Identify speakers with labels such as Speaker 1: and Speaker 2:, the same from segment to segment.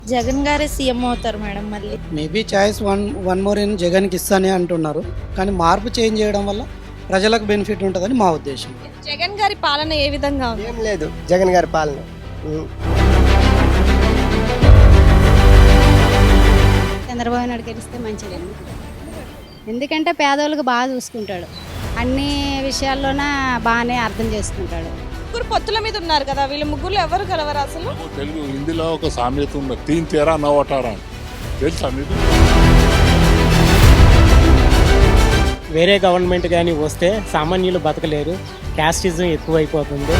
Speaker 1: జగన్ గారే సీఎం అవుతారు మేడం మళ్ళీ.
Speaker 2: Maybe choice one more in జగన్కి ఇస్తానే అంటున్నారు. కానీ మార్పు చేంజ్ చేయడం వల్ల ప్రజలకు బెనిఫిట్ ఉంటుందని మా ఉద్దేశం.
Speaker 3: జగన్ గారి పాలన ఏ విధంగా ఉంది?
Speaker 4: ఏం లేదు జగన్ గారి పాలన.
Speaker 5: చంద్రబాబు నాయుడు గెలిస్తే మంచిదండి. ఎందుకంటే పేదవాళ్ళకి బాగా చూసుకుంటాడు, అన్ని విషయాల్లోన బాగానే అర్థం చేసుకుంటాడు.
Speaker 3: ముగ్గురు పొత్తుల మీద ఉన్నారు కదా, వీళ్ళ ముగ్గురు ఎవరు కలవరు అసలు?
Speaker 6: తెలుగు హిందీలో ఒక సామెత ఉంది, తీన్ తేరా నవ్వటారా అని. తెలుసా మీకు?
Speaker 7: వేరే గవర్నమెంట్ కానీ వస్తే సామాన్యులు బతకలేరు, క్యాస్టిజం ఎక్కువైపోతుంది.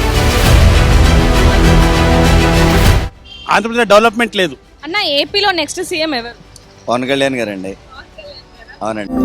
Speaker 8: ఆంధ్రప్రదేశ్ డెవలప్మెంట్ లేదు.
Speaker 3: అన్న, ఏపీలో నెక్స్ట్ సీఎం ఎవరు?
Speaker 9: పవన్ కళ్యాణ్ గారండి. అవునండి.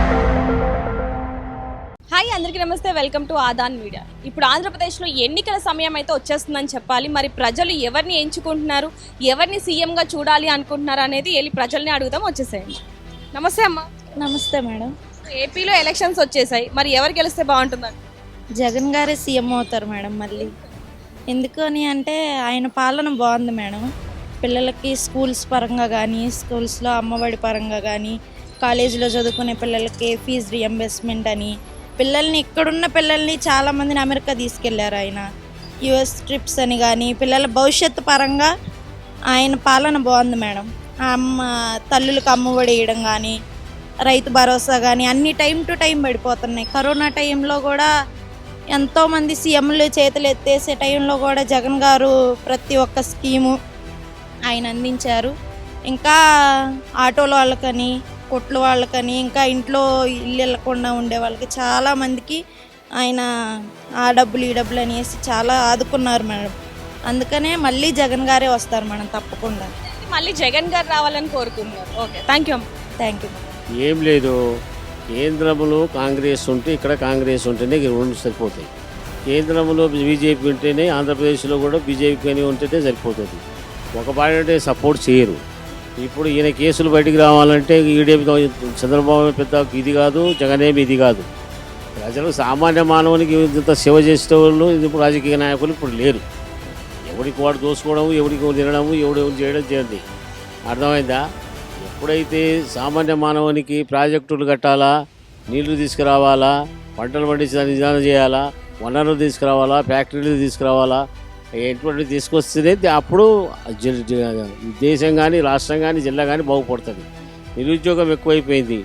Speaker 3: హాయ్, అందరికీ నమస్తే, వెల్కమ్ టు ఆదాన్ మీడియా. ఇప్పుడు ఆంధ్రప్రదేశ్లో ఎన్నికల సమయం అయితే వచ్చేస్తుందని చెప్పాలి. మరి ప్రజలు ఎవరిని ఎంచుకుంటున్నారు, ఎవరిని సీఎంగా చూడాలి అనుకుంటున్నారు అనేది వెళ్ళి ప్రజల్ని అడుగుదాం. వచ్చేసేయండి. నమస్తే అమ్మ.
Speaker 1: నమస్తే మేడం.
Speaker 3: ఏపీలో ఎలక్షన్స్ వచ్చేసాయి, మరి ఎవరు గెలిస్తే బాగుంటుందని?
Speaker 1: జగన్ గారే సీఎం అవుతారు మేడం మళ్ళీ. ఎందుకని అంటే ఆయన పాలన బాగుంది మేడం. పిల్లలకి స్కూల్స్ పరంగా కానీ, స్కూల్స్లో అమ్మఒడి పరంగా కానీ, కాలేజీలో చదువుకునే పిల్లలకి ఫీజు రియంబర్స్మెంట్ అని, పిల్లల్ని ఇక్కడున్న పిల్లల్ని చాలామందిని అమెరికా తీసుకెళ్లారు ఆయన. యుఎస్ ట్రిప్స్ అని కానీ, పిల్లల భవిష్యత్తు పరంగా ఆయన పాలన బాగుంది మేడం. తల్లులకు అమ్మఒడి వేయడం కానీ, రైతు భరోసా కానీ అన్ని టైం టు టైం పడిపోతున్నాయి. కరోనా టైంలో కూడా ఎంతోమంది సీఎంలు చేతులు ఎత్తేసే టైంలో కూడా జగన్ గారు ప్రతి ఒక్క స్కీము ఆయన అందించారు. ఇంకా ఆటోల వాళ్ళకని, కొట్ల వాళ్ళకని, ఇంకా ఇంట్లో ఇల్లు వెళ్ళకుండా ఉండే వాళ్ళకి చాలామందికి ఆయన ఆ డబ్బులు ఈ డబ్బులు అనేసి చాలా ఆదుకున్నారు మేడం. అందుకనే మళ్ళీ జగన్ గారే వస్తారు మేడం తప్పకుండా.
Speaker 3: మళ్ళీ జగన్ గారు రావాలని కోరుకుంటున్నారు. ఓకే, థ్యాంక్ యూ అమ్మ.
Speaker 1: Thank you.
Speaker 10: ఏం లేదు, కేంద్రంలో కాంగ్రెస్ ఉంటే ఇక్కడ కాంగ్రెస్ ఉంటేనే రెండు సరిపోతాయి. కేంద్రంలో బీజేపీ ఉంటేనే ఆంధ్రప్రదేశ్లో కూడా బీజేపీ అని ఉంటేనే సరిపోతుంది. ఒక పార్టీ అంటే సపోర్ట్ చేయరు. ఇప్పుడు ఈయన కేసులు బయటికి రావాలంటే ఈడేమి చంద్రబాబు పెద్ద ఇది కాదు, జగన్ ఏమి ఇది కాదు. ప్రజలు సామాన్య మానవునికి ఇంత సేవ చేసే వాళ్ళు ఇప్పుడు రాజకీయ నాయకులు ఇప్పుడు లేరు. ఎవరికి వాడు దోసుకోవడము, ఎవరికి తినడము, ఎవడు చేయడం చేయండి. అర్థమైందా? ఎప్పుడైతే సామాన్య మానవునికి ప్రాజెక్టులు కట్టాలా, నీళ్లు తీసుకురావాలా, పంటలు పండించడానికి నిదానం చేయాలా, వనరులు తీసుకురావాలా, ఫ్యాక్టరీలు తీసుకురావాలా, ఎటువంటి తీసుకొస్తేనే అప్పుడు దేశం కానీ, రాష్ట్రం కానీ, జిల్లా కానీ బాగుపడుతుంది. నిరుద్యోగం ఎక్కువైపోయింది.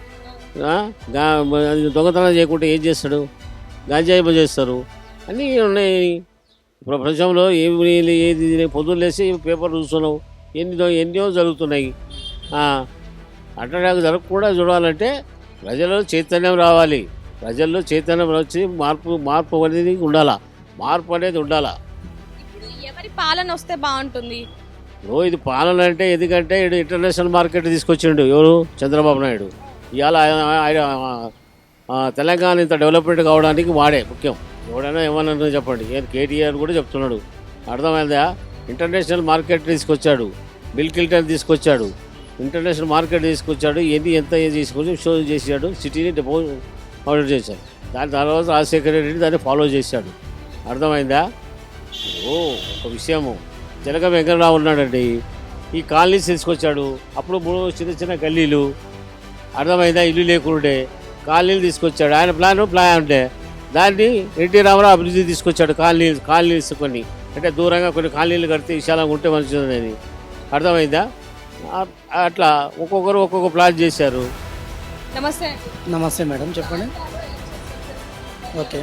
Speaker 10: దొంగతనం చేయకుంటే ఏం చేస్తాడు? గాంజాయి చేస్తారు. అన్నీ ఉన్నాయి ప్రపంచంలో. ఏది పొద్దున్న లేసి పేపర్ చూస్తున్నావు, ఎన్నో జరుగుతున్నాయి. అట్లా జరగకుండా చూడాలంటే ప్రజల్లో చైతన్యం రావాలి. ప్రజల్లో చైతన్యం వచ్చి మార్పు అనేది ఉండాలా. మార్పు అనేది ఉండాలా.
Speaker 3: ఎవరి పాలన వస్తే బాగుంటుంది?
Speaker 10: ఇది పాలన అంటే ఎందుకంటే ఇంటర్నేషనల్ మార్కెట్ తీసుకొచ్చిండు ఎవరు? చంద్రబాబు నాయుడు. ఇవాళ తెలంగాణ ఇంత డెవలప్మెంట్ కావడానికి వాడే ముఖ్యం. ఎవడైనా ఏమన్నా చెప్పండి, కేటీఆర్ కూడా చెప్తున్నాడు. అర్థమైందా? ఇంటర్నేషనల్ మార్కెట్ తీసుకొచ్చాడు, బిల్ క్లింటన్ తీసుకొచ్చాడు, ఇంటర్నేషనల్ మార్కెట్ తీసుకొచ్చాడు. ఎంత తీసుకొచ్చి షో చేశాడు, సిటీని ఆర్డర్ చేశాడు. దాని తర్వాత రాజశేఖర రెడ్డి దాన్ని ఫాలో చేశాడు. అర్థమైందా? ఒక విషయము, జనక వెంకటరావు ఉన్నాడండి, ఈ కాలనీస్ తీసుకొచ్చాడు. అప్పుడు 3 చిన్న చిన్న గల్లీలు, అర్థమైందా, ఇల్లు లేకుండే కాలనీలు తీసుకొచ్చాడు. ఆయన ప్లాన్ ఉంటే దాన్ని ఎన్టీ రామారావు అభివృద్ధి తీసుకొచ్చాడు. కాలనీస్ కొన్ని అంటే దూరంగా కొన్ని కాలనీలు కడితే విశాలంగా ఉంటే మంచిదని. అర్థమైందా? అట్లా ఒక్కొక్కరు ఒక్కొక్క ప్లాన్ చేశారు.
Speaker 3: నమస్తే.
Speaker 2: నమస్తే మేడం, చెప్పండి. Okay,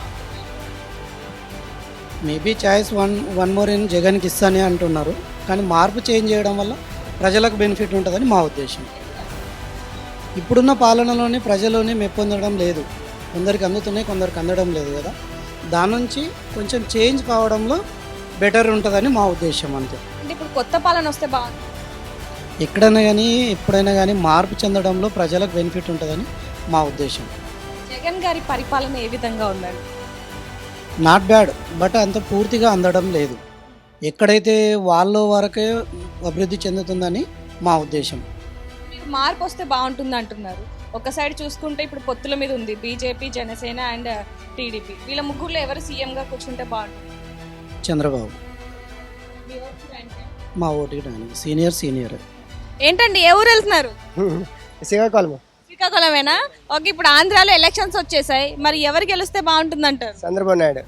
Speaker 2: maybe choice one more in జగన్కి ఇస్తానే అంటున్నారు. కానీ మార్పు చేంజ్ చేయడం వల్ల ప్రజలకు బెనిఫిట్ ఉంటుందని మా ఉద్దేశం. ఇప్పుడున్న పాలనలోనే ప్రజలోనే మెప్పొందడం లేదు. కొందరికి అందుతున్నాయి, కొందరికి అందడం లేదు కదా. దాని నుంచి కొంచెం చేంజ్ కావడంలో బెటర్ ఉంటుందని మా ఉద్దేశం. అంతే.
Speaker 3: అంటే ఇప్పుడు కొత్త పాలన వస్తే బాగుంటుంది.
Speaker 2: ఎక్కడైనా కానీ ఎప్పుడైనా కానీ మార్పు చెందడంలో ప్రజలకు బెనిఫిట్ ఉంటుందని మా ఉద్దేశం.
Speaker 3: జగన్ గారి పరిపాలన ఏ విధంగా ఉందండి?
Speaker 2: నాట్ బ్యాడ్, బట్ అంత పూర్తిగా అందడం లేదు. ఎక్కడైతే వాళ్ళ వరకే అభివృద్ధి చెందుతుందని మా ఉద్దేశం.
Speaker 3: మార్పు వస్తే బాగుంటుంది అంటున్నారు. ఒక సైడ్ చూసుకుంటే ఇప్పుడు పొత్తుల మీద ఉంది బీజేపీ, జనసేన అండ్ టీడీపీ. వీళ్ళ ముగ్గురులో ఎవరు సీఎంగా కూర్చుంటే బాగుంటుంది?
Speaker 2: చంద్రబాబు. మా ఓటుకి దానికి సీనియర్
Speaker 3: ఏంటండి ఏ ఊరు వెళ్తున్నారు?
Speaker 4: శ్రీకాకుళం
Speaker 3: శ్రీకాకుళమేనా? ఓకే, ఇప్పుడు ఆంధ్రాలో ఎలక్షన్స్ వచ్చేసాయి, మరి ఎవరు గెలిస్తే బాగుంటుందంటారు?
Speaker 4: చంద్రబాబు నాయుడు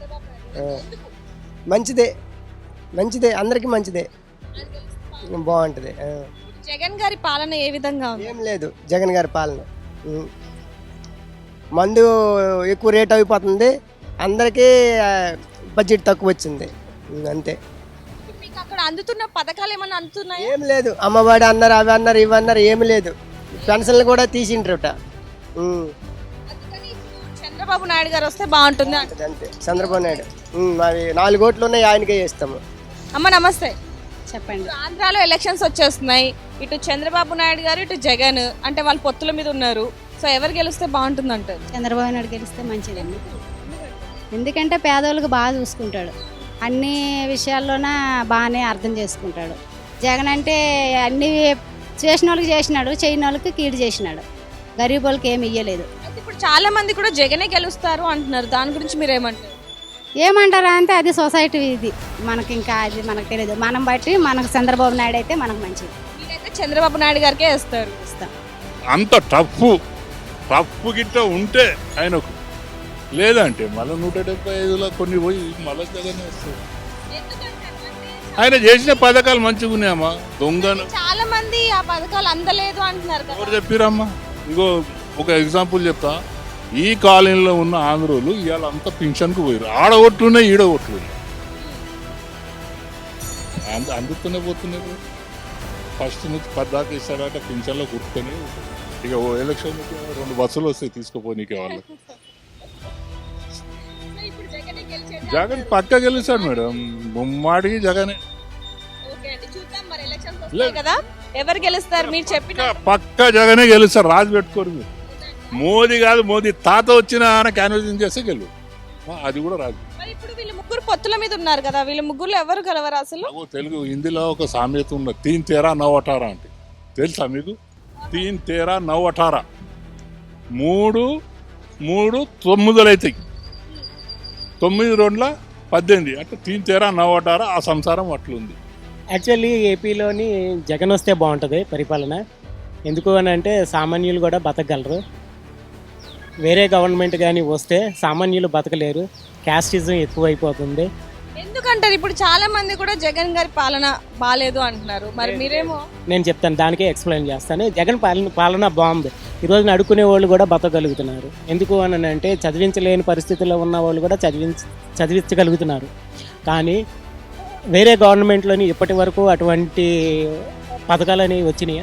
Speaker 4: మంచిదే అందరికీ మంచిదే, బాగుంటుంది.
Speaker 3: జగన్ గారి పాలన ఏ విధంగా ఉంది?
Speaker 4: ఏం లేదు జగన్ గారి పాలన. మందు ఎక్కువ రేట్ అయిపోతుంది, అందరికీ బడ్జెట్ తక్కువ వచ్చింది, అంతే.
Speaker 3: ఇప్పుడు మీకు అక్కడ అందుతున్న పథకాలు ఏమన్నా అందుతున్నాయా?
Speaker 4: ఏం లేదు, అమ్మఒడి అన్నారు, అవి అన్నారు, ఇవి అన్నారు, ఏమి లేదు. పెన్షన్లు కూడా తీసిండ్రట.
Speaker 3: అందుకని ఇప్పుడు చంద్రబాబు నాయుడు గారు వస్తే బాగుంటుంది అంటారు.
Speaker 4: అంతే చంద్రబాబు నాయుడు. అవి 4 ఓట్లు ఉన్నాయి, ఆయనకే చేస్తాము.
Speaker 3: అమ్మ నమస్తే.
Speaker 5: చెప్పండి.
Speaker 3: ఇప్పుడు ఆంధ్రాలో ఎలక్షన్స్ వచ్చేస్తున్నాయి, ఇటు చంద్రబాబు నాయుడు గారు ఇటు జగన్, అంటే వాళ్ళు పొత్తుల మీద ఉన్నారు. సో ఎవరు గెలిస్తే బాగుంటుంది అంటారు?
Speaker 5: చంద్రబాబు నాయుడు గెలిస్తే మంచిదండి. ఎందుకంటే పేదోళ్ళకి బాగా చూసుకుంటాడు, అన్ని విషయాల్లోన బాగానే అర్థం చేసుకుంటాడు. జగన్ అంటే అన్ని చేసిన వాళ్ళకి చేసినాడు, చేయని వాళ్ళకి కీడు చేసినాడు, గరీబ్ వాళ్ళకి ఏమి ఇయ్యలేదు.
Speaker 3: అయితే ఇప్పుడు చాలా మంది కూడా జగనే గెలుస్తారు అంటున్నారు, దాని గురించి మీరు ఏమంటారు?
Speaker 5: ఏమంటారా అంటే అది సొసైటీ, ఇది మనకి ఇంకా అది మనకు తెలియదు. మనం బట్టి మనకు చంద్రబాబు నాయుడు అయితే మనకు మంచిది.
Speaker 3: మీరైతే చంద్రబాబు నాయుడు గారికే వేస్తారు.
Speaker 5: ఇస్తాం.
Speaker 6: అంత టఫ్ గిట్ట ఉంటే ఆయనకు, లేదంటే మళ్ళీ 175లో కొన్ని పోయి మళ్ళీ జగన్ వస్తుంది. ఆయన చేసిన పథకాలు మంచిగా ఉన్నాయమ్మా. దొంగను
Speaker 3: చాలా మంది ఆ పథకాలు అందలేదు అంటున్నారు కదా.
Speaker 6: ఎవరు చెప్పిరమ్మా? ఇంకో ఒక ఎగ్జాంపుల్ చెప్తా. ఈ కాలనీలో ఉన్న ఆంధ్రోలు ఇవాళ అంతా పింఛన్కు పోయారు. ఆడ ఓట్లున్నాయి, ఈడ ఓట్లున్నాయి, అందుతూనే పోతున్నారు. ఫస్ట్ నుంచి 10 దాకా ఇస్తారట పింఛన్లో గుర్తుకొని. ఇక ఓ ఎలక్షన్ 2 బస్సులు వస్తాయి తీసుకుపోనీకే వాళ్ళకి. జగన్ పక్క గెలుస్తాడు మేడం, ముమ్మాడికి జగనే.
Speaker 3: కదా ఎవరు గెలుస్తారు మీరు చెప్పిన?
Speaker 6: పక్క జగనే గెలుస్తారు, రాజు పెట్టుకోరు మీరు. మోదీ కాదు, మోదీ తాత వచ్చిన క్యాన్వసింగ్ చేస్తే గెలు, అది కూడా రాదు.
Speaker 3: మరి ఇప్పుడు వీళ్ళు ముగ్గురు పొత్తుల మీద ఉన్నారు కదా, వీళ్ళ ముగ్గురు ఎవరు గెలవరు అసలు?
Speaker 6: తెలుగు హిందీలో ఒక సామెత ఉన్నది, 3 13 9 18 అంటే తెలుసా మీకు? 3 13 9 18 3 9 అవుతాయి, 9 2 18 అంటే 3 13 9 18. ఆ సంసారం అట్లుంది.
Speaker 7: యాక్చువల్లీ ఏపీలోని జగన్ వస్తే బాగుంటుంది పరిపాలన. ఎందుకు అని అంటే సామాన్యులు కూడా బతకగలరు. వేరే గవర్నమెంట్ కానీ వస్తే సామాన్యులు బతకలేరు, క్యాస్టిజం ఎక్కువైపోతుంది.
Speaker 3: ఎందుకంటారు? ఇప్పుడు చాలా మంది కూడా జగన్ గారి పాలన బాగాలేదు అంటున్నారు, మరి మీరేమో?
Speaker 7: నేను చెప్తాను, దానికే ఎక్స్ప్లెయిన్ చేస్తాను. జగన్ పాలన బాగుంది. ఈరోజు అడుక్కునే వాళ్ళు కూడా బతకగలుగుతున్నారు. ఎందుకు అని అంటే చదివించలేని పరిస్థితుల్లో ఉన్న వాళ్ళు కూడా చదివించగలుగుతున్నారు. కానీ వేరే గవర్నమెంట్లోని ఇప్పటి వరకు అటువంటి పథకాలు అనేవి వచ్చినాయా?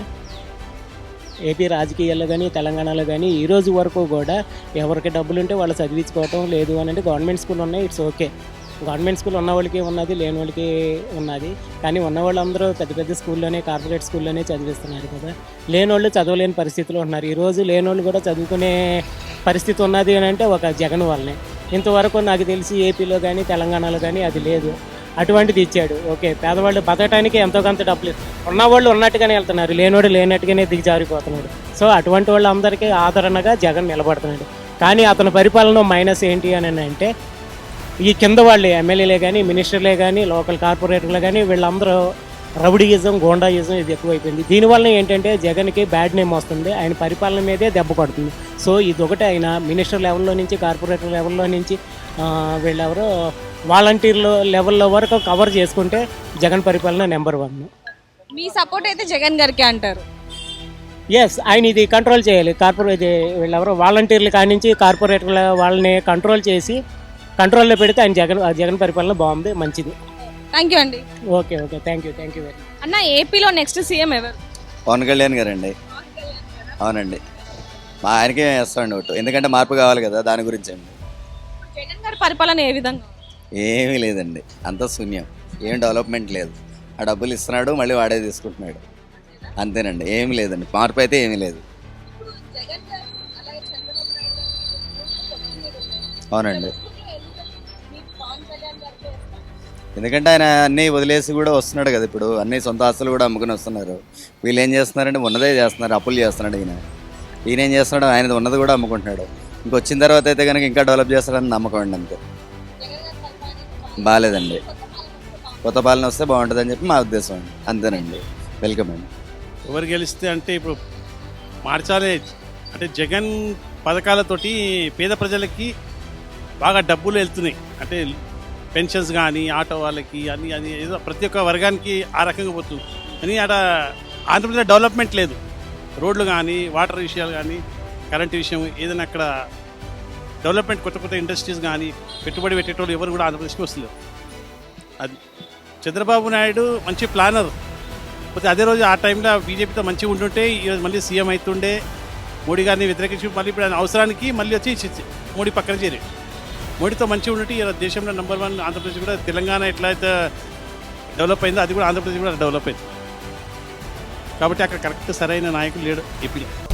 Speaker 7: ఏపీ రాజకీయాల్లో కానీ తెలంగాణలో కానీ ఈ రోజు వరకు కూడా ఎవరికి డబ్బులు ఉంటే వాళ్ళు చదివించుకోవటం లేదు అని అంటే గవర్నమెంట్ స్కూల్ ఉన్నాయి, ఇట్స్ ఓకే. గవర్నమెంట్ స్కూల్ ఉన్న వాళ్ళకి ఉన్నది, లేని వాళ్ళకి ఉన్నది. కానీ ఉన్న వాళ్ళందరూ పెద్ద పెద్ద స్కూల్లోనే, కార్పొరేట్ స్కూల్లోనే చదివిస్తున్నారు కదా. లేని వాళ్ళు చదవలేని పరిస్థితిలో ఉన్నారు. ఈరోజు లేని వాళ్ళు కూడా చదువుకునే పరిస్థితి ఉన్నది అని అంటే ఒక జగన్ వల్లనే. ఇంతవరకు నాకు తెలిసి ఏపీలో కానీ తెలంగాణలో కానీ అది లేదు. అటువంటిది ఇచ్చాడు. ఓకే, పేదవాళ్ళు బతకడానికి ఎంతో కొంత డబ్బులు, ఉన్నవాళ్ళు ఉన్నట్టుగానే వెళ్తున్నారు, లేనివాడు లేనట్టుగానే దిగజారిపోతున్నాడు. సో అటువంటి వాళ్ళందరికీ ఆదరణగా జగన్ నిలబడుతున్నాడు. కానీ అతని పరిపాలన మైనస్ ఏంటి అని అంటే ఈ కింద వాళ్ళు ఎమ్మెల్యేలే కానీ, మినిస్టర్లే కానీ, లోకల్ కార్పొరేటర్లే కానీ వీళ్ళందరూ రౌడీయిజం, గోండాయిజం ఇది ఎక్కువైపోయింది. దీనివల్ల ఏంటంటే జగన్కి బ్యాడ్ నేమ్ వస్తుంది, ఆయన పరిపాలన మీదే దెబ్బ పడుతుంది. సో ఇదొకటి ఆయన మినిస్టర్ లెవెల్లో నుంచి, కార్పొరేటర్ లెవెల్లో నుంచి వీళ్ళెవరో వాలంటీర్లు లెవెల్లో వరకు కవర్ చేసుకుంటే జగన్ పరిపాలన నెంబర్ 1.
Speaker 3: మీ సపోర్ట్ అయితే జగన్ గారికి అంటారు?
Speaker 7: ఎస్, ఆయన ఇది కంట్రోల్ చేయాలి. కార్పొరేట్ వీళ్ళెవరో వాలంటీర్లు కానించి కార్పొరేటర్ల వాళ్ళని కంట్రోల్ చేసి కంట్రోల్లో పెడితే ఆయన జగన్ పరిపాలన బాగుంది, మంచిది.
Speaker 3: థ్యాంక్ యూ అండి.
Speaker 7: Okay thank you very much.
Speaker 3: అన్న, ఏపీలో నెక్స్ట్ సీఎం ఎవరు?
Speaker 9: పవన్ కళ్యాణ్ గారండి. అవునండి, మా ఆయనకే వేస్తాండి ఓటు, ఎందుకంటే మార్పు కావాలి కదా, దాని గురించి అండి.
Speaker 3: జగన్ గారి పరిపాలన ఏ విధంగా?
Speaker 9: ఏమీ లేదండి, అంత శూన్యం, ఏం డెవలప్మెంట్ లేదు. ఆ డబ్బులు ఇస్తున్నాడు, మళ్ళీ వాడే తీసుకుంటున్నాడు, అంతేనండి, ఏమీ లేదండి, మార్పు అయితే ఏమీ లేదు. అవునండి, ఎందుకంటే ఆయన అన్నీ వదిలేసి కూడా వస్తున్నాడు కదా. ఇప్పుడు అన్ని సొంత ఆస్తులు కూడా అమ్ముకుని వస్తున్నారు. వీళ్ళు ఏం చేస్తున్నారంటే ఉన్నదే చేస్తున్నారు, అప్పులు చేస్తున్నాడు. ఈయన ఏం చేస్తున్నాడు, ఆయన ఉన్నది కూడా అమ్ముకుంటున్నాడు. ఇంకొచ్చిన తర్వాత అయితే కనుక ఇంకా డెవలప్ చేస్తాడని నమ్మకం అండి. అంతే, బాగాలేదండి. కొత్త పాలన వస్తే బాగుంటుందని చెప్పి మా ఉద్దేశం అండి. అంతేనండి. వెల్కమ్ అండి.
Speaker 8: ఎవరు గెలిస్తే అంటే ఇప్పుడు మార్చాలి అంటే జగన్ పథకాలతోటి పేద ప్రజలకి బాగా డబ్బులు వెళ్తున్నాయి. అంటే పెన్షన్స్ కానీ ఆటో వాళ్ళకి అన్ని అది ఏదో ప్రతి ఒక్క వర్గానికి ఆ రకంగా పోతుంది. కానీ అక్కడ ఆంధ్రప్రదేశ్ డెవలప్మెంట్ లేదు. రోడ్లు కానీ వాటర్ విషయాలు కానీ కరెంట్ విషయం ఏదైనా అక్కడ డెవలప్మెంట్ కొత్త కొత్త ఇండస్ట్రీస్ కానీ పెట్టుబడి పెట్టేటోళ్ళు ఎవరు కూడా ఆంధ్రప్రదేశ్కి వస్తలేరు. అది చంద్రబాబు నాయుడు మంచి ప్లానర్. పోతే అదే రోజు ఆ టైంలో బీజేపీతో మంచిగా ఉంటుంటే ఈరోజు మళ్ళీ సీఎం అవుతుండే. మోడీ గారిని వ్యతిరేకించి మళ్ళీ ఇప్పుడు ఆయన అవసరానికి మళ్ళీ వచ్చి మోడీ పక్కన చేరి మోడీతో మంచిగా ఉంటే ఈ దేశంలో నెంబర్ 1 ఆంధ్రప్రదేశ్ కూడా తెలంగాణ ఎట్లయితే డెవలప్ అయిందో అది కూడా ఆంధ్రప్రదేశ్ కూడా డెవలప్ అయింది. కాబట్టి అక్కడ కరెక్ట్ సరైన నాయకులు లేడు ఏపీలో.